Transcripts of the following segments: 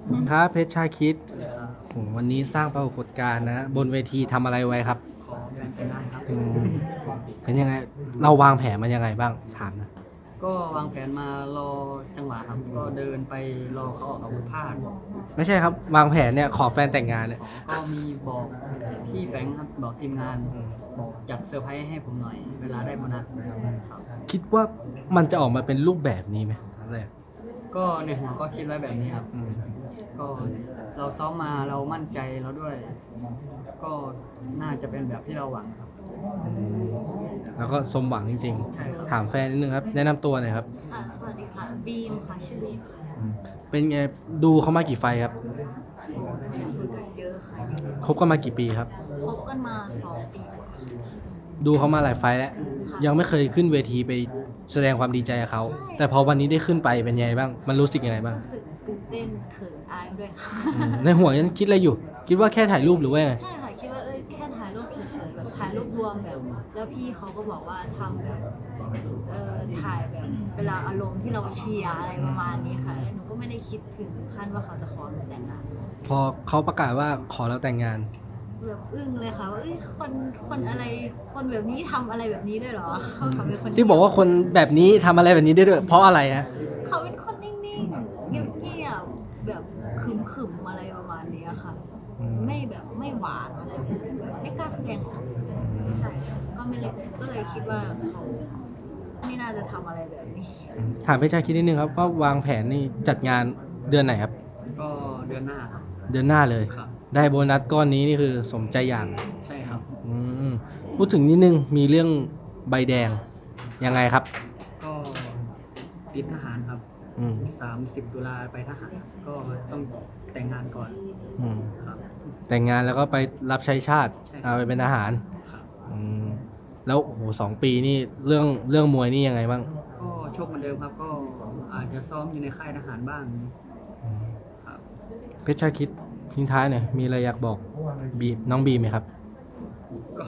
ครับเพชรชาคิดโหวันนี้สร้างปรากฏการณ์นะบนเวทีทำอะไรไว้ครับขอแบ่งกันได้ครับอืมเป็นยังไงเราวางแผนมันยังไงบ้างถามนะก็วางแผนมารอจังหวะครับก็เดินไปรอเขาออกอาวุธพลาดไม่ใช่ครับวางแผนเนี่ยขอแฟนแต่งงานเนี่ยก็มีบอกพี่แบงค์ครับบอกทีมงานบอกจัดเซอร์ไพรส์ให้ผมหน่อยเวลาได้โบนัสครับคิดว่ามันจะออกมาเป็นรูปแบบนี้ไหมตอนแรกก็ในหัวก็คิดไว้แบบนี้ครับอืมก็เราซ้อมมาเรามั่นใจเราด้วย ก็น่าจะเป็นแบบที่เราหวังครับแล้วก็สมหวังจริงใช่ครับๆถามแฟนนิดนึงครับแนะนำตัวหน่อยครับค่ะสวัสดีค่ะบีมค่ะชื่อบีมค่ะอืมเป็นไงดูเขามากี่ไฟล์ครับเยอะค่ะคบกันมากี่ปีครับคบกันมา2 ปีกว่าดูเขามาหลายไฟล์แล้วยังไม่เคยขึ้นเวทีไปแสดงความดีใจกับเขาแต่พอวันนี้ได้ขึ้นไปเป็นยังไงบ้างมันรู้สึกยังไงบ้างรู้สึกตื่นเต้นเขินอายด้วยค่ะในหัวยังคิดอะไรอยู่ คิดว่าแค่ถ่ายรูปหรือว่าไงใช่ค่ะคิดว่าแค่ถ่ายรูปเฉยๆแบบถ่ายรูปรวมแบบแล้วพี่เขาก็บอกว่าทำแบบถ่ายแบบเวลาอารมณ์ที่เราเชียร์อะไรประมาณนี้ค่ะหนูก็ไม่ได้คิดถึงขั้นว่าเขาจะขอหนูแต่งงานพอเขาประกาศว่าขอเราแต่งงานแบบอึ้งเลยค่ะว่าคนอะไรคนแบบนี้ทำอะไรแบบนี้ด้วยเหรอเขาเป็นคนที่บอกว่าคนแบบนี้ทำอะไรแบบนี้ได้ด้วยเพราะอะไรฮะเขาเป็นคนนิ่งๆเงียบๆแบบขึมๆอะไรประมาณนี้ค่ะไม่แบบไม่หวานอะไรแบบไม่กล้าแสดงออกใช่ก็เลยคิดว่าเขาไม่น่าจะทำอะไรแบบนี้ถามพี่ชายคิดนิดนึงครับว่าวางแผนนี่จัดงานเดือนไหนครับก็เดือนหน้าครับเดือนหน้าเลยครับได้โบนัสก้อนนี้นี่คือสมใจอย่างใช่ครับอืมพูดถึงนิดนึงมีเรื่องใบแดงยังไงครับก็ติดทหารครับอืม 30 ตุลาไปทหารก็ต้องแต่งงานก่อนอืมครับแต่งงานแล้วก็ไปรับใช้ชาติใช่ครับไปเป็นทหารครับอืมแล้วโอ้โห2 ปีนี่เรื่องมวยนี่ยังไงบ้างก็โชคเหมือนเดิมครับก็อาจจะซ้อมอยู่ในค่ายทหารบ้างอืมครับเพชรชาคิดทิ้งท้ายหน่อยมีอะไรอยากบอกน้องบีไหมครับก็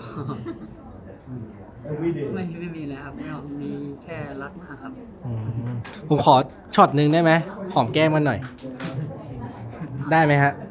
ไม่มีแล้วครับไม่เอามีแค่รักมากครับอืมผมขอช็อตหนึ่งได้ไหมหอมแก้มกันหน่อย ได้ไหมฮะ